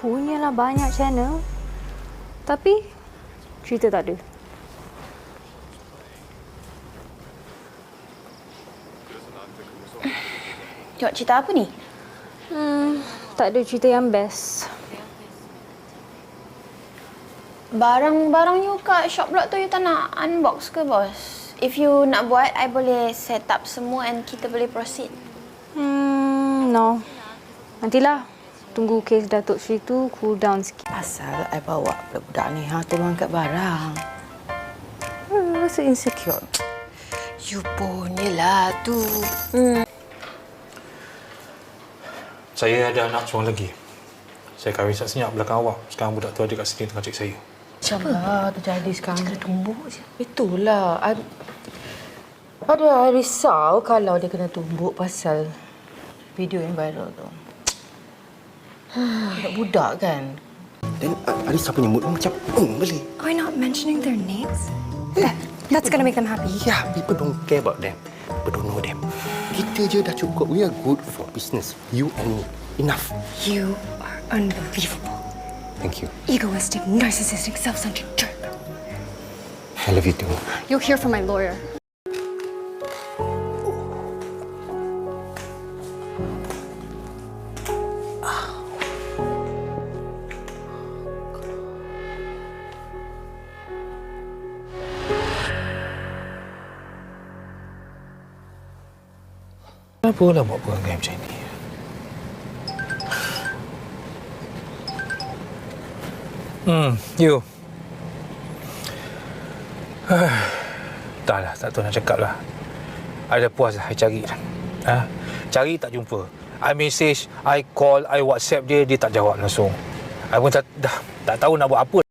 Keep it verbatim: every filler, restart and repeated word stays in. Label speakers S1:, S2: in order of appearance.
S1: punyalah banyak channel. Tapi cerita tak ada.
S2: Tengok cerita apa ni?
S1: Hmm, tak ada cerita yang best.
S2: Barang-barang you kat shop blog tu you tak nak unbox ke, bos? If you nak buat, I boleh set up semua and kita boleh proceed.
S1: Hmm, no. Nantilah. Tunggu kes Datuk Sri tu cool down sikit.
S3: Asal I bawa budak ni ha tolong angkat barang. Hmm, rasa insecure. You punyalah tu. Hmm.
S4: Saya ada anak seorang lagi. Saya kahwin senyap belakang awak. Sekarang budak tu ada kat sini tengah cek saya.
S3: Macam mana terjadi sekarang? Kena tumbuk je. Itulah. I, ada I risau kalau dia kena tumbuk pasal video yang viral tu. Budak-budak kan?
S5: Dan uh, Arissa punya mood macam eng beli.
S6: Are we not mentioning their names? That, that's gonna make them happy.
S5: Yeah, people don't care about them. People don't know them. Kita je dah cukup. We are good for business. You and me. Enough.
S6: You are unbelievable.
S5: Thank you.
S6: Egoistic, narcissistic, self-centered jerk.
S5: I love you too.
S6: You'll hear from my lawyer.
S4: Kenapa lah buat perangai macam ni? Hmm, you. Dah lah, tak tahu nak cakap lah. I dah puas lah, I cari dah. Ha? Cari tak jumpa. I message, I call, I WhatsApp dia, dia tak jawab langsung. I pun tak, dah, tak tahu nak buat apa.